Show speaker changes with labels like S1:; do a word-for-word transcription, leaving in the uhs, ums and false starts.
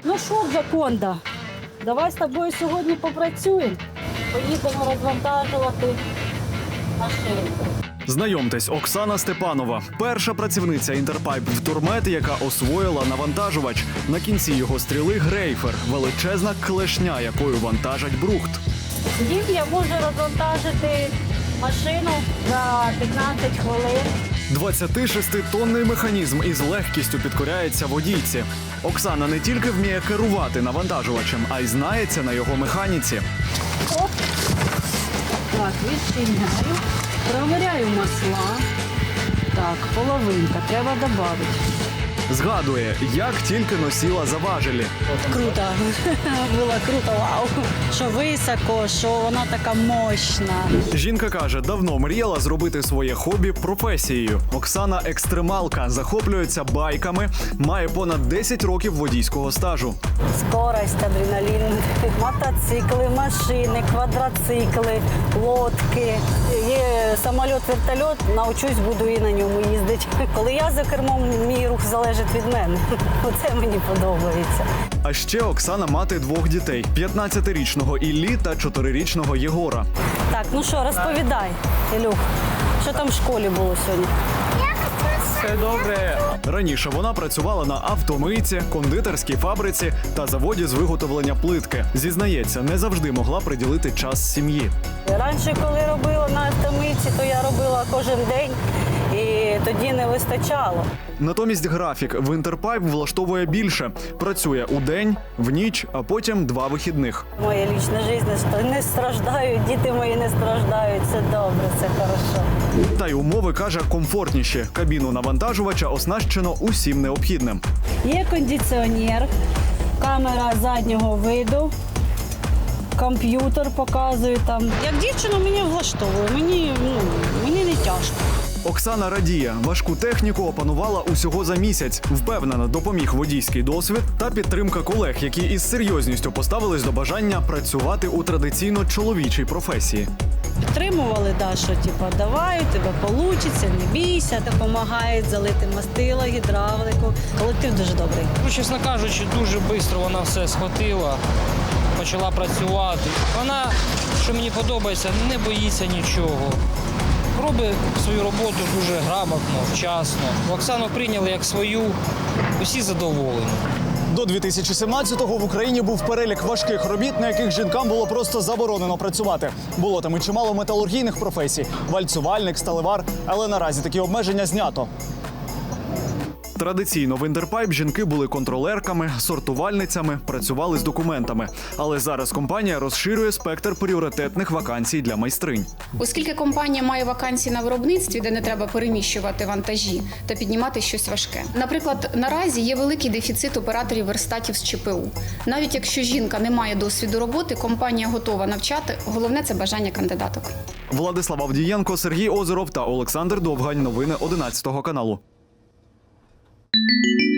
S1: Ну що, Джаконда, давай з тобою сьогодні попрацюємо. Поїдемо розвантажувати машину.
S2: Знайомтесь, Оксана Степанова – перша працівниця Інтерпайп Втормет, яка освоїла навантажувач. На кінці його стріли грейфер – величезна клешня, якою вантажать брухт.
S1: Дім я можу розвантажити машину за п'ятнадцять хвилин.
S2: двадцятишеститонний механізм із легкістю підкоряється водійці. Оксана не тільки вміє керувати навантажувачем, а й знається на його механіці.
S1: Оп. Так, відчиняю. Провіряю масла. Так, половинка, треба додати.
S2: Згадує, як тільки носила за важелі.
S1: Круто. Було круто, вау. Що високо, що вона така мощна.
S2: Жінка каже, давно мріяла зробити своє хобі професією. Оксана – екстремалка, захоплюється байками, має понад десять років водійського стажу.
S1: Скорость, адреналін, мотоцикли, машини, квадроцикли, лодки. Є самоліт, вертольот, навчусь, буду і на ньому їздити. Коли я за кермом, мій рух залежить від мене. Оце мені подобається.
S2: А ще Оксана мати двох дітей – п'ятнадцятирічного Іллі та чотирирічного Єгора.
S1: Так, ну що, розповідай, Ілюх, що там в школі було сьогодні?
S2: Все добре. Раніше вона працювала на автомийці, кондитерській фабриці та заводі з виготовлення плитки. Зізнається, не завжди могла приділити час сім'ї.
S1: Раніше, коли робила на автомийці, то я робила кожен день, і тоді не вистачало.
S2: Натомість графік в Інтерпайп влаштовує більше. Працює у день, в ніч, а потім два вихідних.
S1: Моя лічна життя не страждають, діти мої не страждають. Це добре, це хорошо.
S2: Та й умови, каже, комфортніші. Кабіну навантажувача оснащено усім необхідним.
S1: Є кондиціонер, камера заднього виду, комп'ютер показує там. Як дівчина мене влаштовує, мені, ну, мені не тяжко.
S2: Оксана радіє, важку техніку опанувала усього за місяць. Впевнена, допоміг водійський досвід та підтримка колег, які із серйозністю поставились до бажання працювати у традиційно чоловічій професії.
S1: Підтримували, да, що типу, давай, у тебе вийде, не бійся, допомагають залити мастило, гідравлику. Колектив дуже добрий.
S3: Ну, чесно кажучи, дуже швидко вона все схватила, почала працювати. Вона, що мені подобається, не боїться нічого. Робить свою роботу дуже грамотно, вчасно. Оксану прийняли як свою, усі задоволені.
S2: До дві тисячі сімнадцятого в Україні був перелік важких робіт, на яких жінкам було просто заборонено працювати. Було там і чимало металургійних професій – вальцювальник, сталевар, але наразі такі обмеження знято. Традиційно в Інтерпайп жінки були контролерками, сортувальницями, працювали з документами. Але зараз компанія розширює спектр пріоритетних вакансій для майстринь.
S4: Оскільки компанія має вакансії на виробництві, де не треба переміщувати вантажі та піднімати щось важке. Наприклад, наразі є великий дефіцит операторів верстатів з ЧПУ. Навіть якщо жінка не має досвіду роботи, компанія готова навчати. Головне – це бажання кандидаток.
S2: Владислав Авдієнко, Сергій Озеров та Олександр Довгань. Новини одинадцятого каналу.
S5: Thank you.